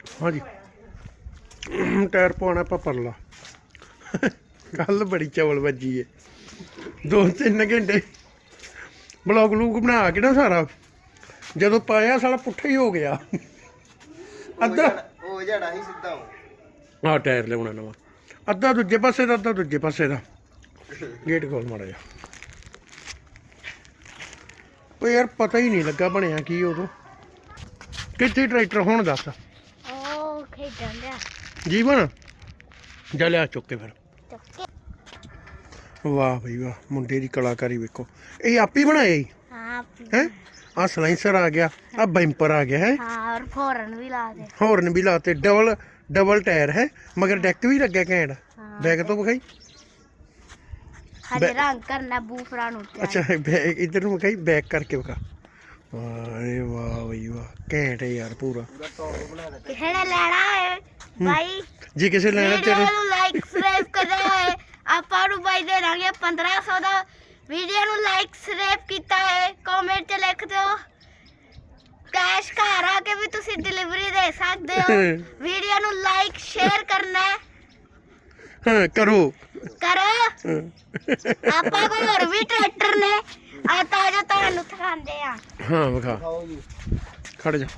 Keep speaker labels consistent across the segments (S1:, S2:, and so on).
S1: हाँ जी टायर पवाना आपां परला कल बड़ी चवल बजी है 2-3 घंटे ब्लॉग व्लूग बना के ना सारा जदों पाया सारा पुट्ठा ही हो गया अद्धा हाँ टायर लिया नवा अद्धा दूजे पासे का अद्धा दूजे पासे का गेट खोल माड़ा जा ਉਹ यार पता ही नहीं लगा बनया की उदों कित्थे ट्रैक्टर हुण दस जीवन जा लिया चुक के फिर वाह भाई वाह मुंडे की कलाकारी वेखो ये आप ही बनाया ही है आ सलाइसर आ गया आ बैंपर आ गया है
S2: और
S1: हॉर्न भी लाते डबल टायर है मगर डेक भी लगे घैंट बैक तो विखाई
S2: रंग करना बूफरा
S1: अच्छा इधर ਨੂੰ ਵਿਖਾਈ बैक करके विखा अरे वाह भाई वाह घैंट है यार पूरा
S2: किसे ने लेना है भाई
S1: जी किसे लेना तेरे
S2: लाइक सब्सक्राइब करना है ਆਪਾਂ ਨੂੰ ਭਾਈ ਦੇ ਦਾਂਗੇ 1500 ਦਾ ਵੀਡੀਓ ਨੂੰ ਲਾਈਕ ਸਬਸਕ੍ਰਾਈਬ ਕੀਤਾ ਹੈ ਕਮੈਂਟ ਚ ਲਿਖ ਦਿਓ ਕੈਸ਼ ਘਰ ਆ ਕੇ ਵੀ ਤੁਸੀਂ ਡਿਲੀਵਰੀ ਦੇ ਸਕਦੇ ਹੋ ਵੀਡੀਓ ਨੂੰ ਲਾਈਕ ਸ਼ੇਅਰ ਕਰਨਾ ਹੈ
S1: ਹਾਂ ਕਰੋ
S2: ਆਪਾਂ ਕੋਲ ਹੋਰ ਵੀ ਟਰੈਕਟਰ ਨੇ ਆ ਤਾਂ ਜੋ ਤੁਹਾਨੂੰ ਦਿਖਾਉਂਦੇ ਆ
S1: ਹਾਂ ਵਿਖਾ ਖੜ ਜਾ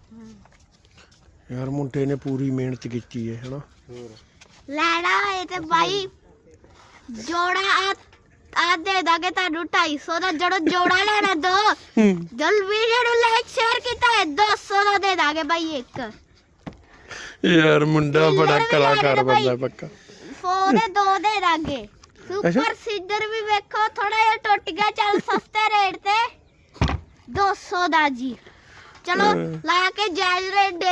S1: ਯਾਰ ਮੁੰਡੇ ਨੇ ਪੂਰੀ ਮਿਹਨਤ ਕੀਤੀ ਹੈ ਹਨਾ
S2: ਲੈਣਾ ਹੈ ਤੇ ਭਾਈ ਜੋੜਾ ਆ ਦੇ ਦਾਂਗੇ ਤੁਹਾਨੂੰ 250 ਦਾ ਜਦੋਂ ਜੋੜਾ ਲੈਣਾ ਦੋ ਜਲ ਵੀਡੀਓ ਨੂੰ ਲਾਈਕ ਸ਼ੇਅਰ ਕੀਤਾ ਹੈ 200 ਦਾ ਦੇ ਦਾਂਗੇ ਭਾਈ ਇੱਕ
S1: ਯਾਰ ਮੁੰਡਾ ਬੜਾ ਕਲਾਕਾਰ ਬੰਦਾ ਪੱਕਾ
S2: ਫੋਨ ਦੋ ਦੇ ਦਾਂਗੇ ਸੁਪਰ ਸੀਡਰ ਵੀ ਵੇਖੋ ਥੋੜਾ ਜਿਹਾ ਟੁੱਟ ਗਿਆ ਚੱਲ ਸਸਤੇ ਰੇਟ ਤੇ 200 ਦਾ ਜੀ ਚਲੋ ਲਾ ਕੇ ਜਾਇਜ਼ ਰੇਟ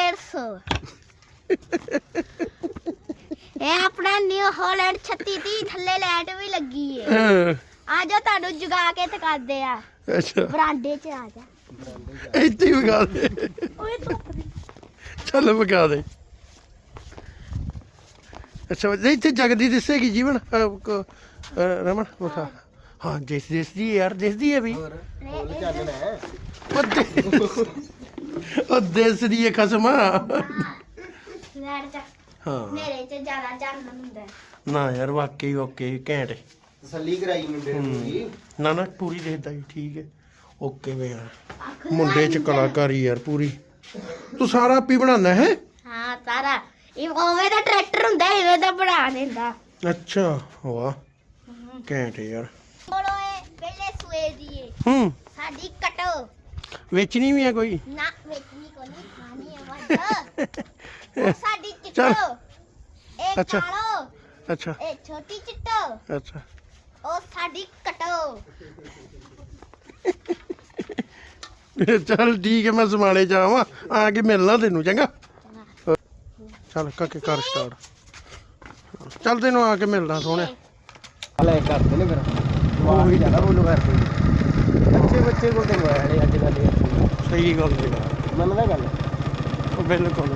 S2: 150 ਇਹ ਆਪਣਾ ਨਿਊ ਹਾਲੈਂਡ 3630 ਥੱਲੇ ਲਾਈਟ ਵੀ ਲੱਗੀ ਏ ਆ ਜਾ ਤੁਹਾਨੂੰ ਜਗਾ ਕੇ ਦਿਖਾਉਂਦੇ ਆ
S1: ਅੱਛਾ
S2: ਬਰਾਂਡੇ 'ਚ ਆ ਜਾ
S1: ਇੱਥੇ ਹੀ ਵਿਖਾ ਦੇ
S2: ਓਏ ਧੁੱਪ ਦੀ
S1: ਚੱਲ ਵਿਖਾ ਦੇ ਅੱਛਾ ਇੱਥੇ ਜਗਦੀ ਦਿਸੇਗੀ ਜੀਵਨ ਰਮਨ ਵਿਖਾ ਹਾਂ ਦਿਸਦੀ ਯਾਰ ਦਿਸਦੀ ਹੈ ਵੀ ਉਹ ਦਿਸਦੀ ਹੈ ਖਸਮਾ
S2: ਲੈਟ ਚ
S1: ਹਾਂ
S2: ਮੇਰੇ 'ਚ ਜ਼ਿਆਦਾ ਚਾਨਣ ਹੁੰਦਾ
S1: ਨਾ ਯਾਰ ਵਾਕਈ ਓਕੇ ਘੈਂਟ
S3: ਤਸੱਲੀ ਕਰਾਈ ਮੁੰਡੇ ਨੂੰ ਪੂਰੀ
S1: ਨਾ ਨਾ ਪੂਰੀ ਦੇਖਦਾ ਜੀ ਠੀਕ ਹੈ ਓਕੇ ਵੇ ਯਾਰ ਮੁੰਡੇ ਚ ਕਲਾਕਾਰੀ ਯਾਰ ਪੂਰੀ ਤੂੰ ਸਾਰਾ ਆਪੀ ਬਣਾਉਂਦਾ ਹੈ
S2: ਹਾਂ ਸਾਰਾ ਇਹ ਓਵੇਂ ਦਾ ਟਰੈਕਟਰ ਹੁੰਦਾ ਇਵੇਂ ਦਾ ਬਣਾ ਦਿੰਦਾ
S1: ਅੱਛਾ ਵਾਹ ਘੈਂਟ ਯਾਰ
S2: ਬੋਲੋ ਇਹ ਪਹਿਲੇ ਸੂਏ ਦੀ ਏ ਸਾਡੀ ਕਟੋ
S1: ਵੇਚਣੀ ਵੀ ਹੈ ਕੋਈ
S2: ਨਾ ਵੇਚਣੀ ਕੋ ਨਹੀਂ ਖਾਣੀ ਹੈ ਵੱਡ ਸਾਡੀ ਚਿੱਟੋ ਇਹ
S1: ਅੱਛਾ।
S2: ਕਾਲੋ
S1: ਅੱਛਾ
S2: ਇਹ ਛੋਟੀ ਚਿੱਟੋ
S1: ਅੱਛਾ
S2: ਉਹ ਸਾਡੀ ਕਟੋ
S1: ਚੱਲ ਠੀਕ ਹੈ ਮੈਂ ਸਮਾਲੇ ਜਾਵਾਂ ਆ ਕੇ ਮਿਲਣਾ ਤੈਨੂੰ ਚੰਗਾ ਚੱਲ ਕਾਕੇ ਕਰ ਸਟਾਰਟ ਚੱਲ ਤੈਨੂੰ ਆ ਕੇ ਮਿਲਣਾ ਸੋਹਣਿਆ
S3: ਲੈ ਕਰਦੇ ਨੇ ਫਿਰ ਉਹ ਹੀ ਜ਼ਿਆਦਾ ਬੋਲੋ ਕਰਦੇ ਬੱਚੇ ਕੋਲ ਤੇ ਹੋਇਆ ਅੱਜ ਕੱਲ
S1: ਸਹੀ ਗੱਲ ਜੀ
S3: ਮੰਨਦਾ ਗੱਲ
S1: ਉਹ ਬਿਲਕੁਲ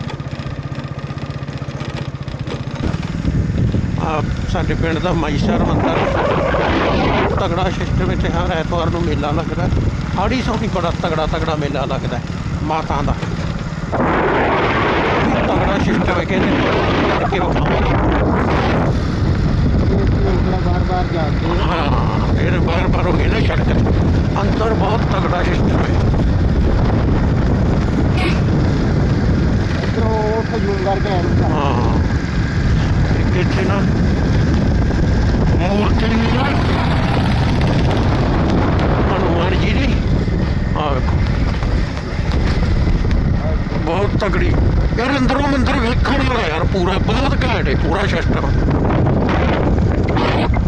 S1: ਆ ਸਾਡੇ ਪਿੰਡ ਦਾ ਮਾਈਸਰ ਮੰਦਰ ਤਗੜਾ ਸਿਸਟਮ ਇੱਥੇ ਹਰ ਐਤਵਾਰ ਨੂੰ ਮੇਲਾ ਲੱਗਦਾ ਹਾੜੀ ਸੋਹਣੀ ਬੜਾ ਤਗੜਾ ਮੇਲਾ ਲੱਗਦਾ ਮਾਤਾ ਦਾ ਤਗੜਾ ਸਿਸਟਮ ਹੈ ਕਹਿੰਦੇ ਕਿ ਉਹ
S3: ਬਾਰ ਜਾਂਦੇ
S1: ਹਾਂ ਫਿਰ ਬਾਰ ਹੋ ਗਏ ਨਾ ਸੜਕ ਅੰਦਰ ਬਹੁਤ ਤਗੜਾ ਸਿਸਟਮ ਹੈ
S3: ਇਧਰੋਂ ਖਜੂਰ ਕਰਕੇ
S1: ਹਾਂ ਇੱਥੇ ਨਾ ਮੂਰਤੀ ਵੀ ਨਾ ਹਨੂੰਮਾਨ ਜੀ ਦੀ ਆ ਵੇਖੋ ਬਹੁਤ ਤਗੜੀ ਯਾਰ ਅੰਦਰੋਂ ਮੰਦਰ ਵੇਖਣ ਵਾਲਾ ਯਾਰ ਪੂਰਾ ਬਹੁਤ ਘੈਂਟ ਹੈ ਪੂਰਾ ਸਿਸਟਮ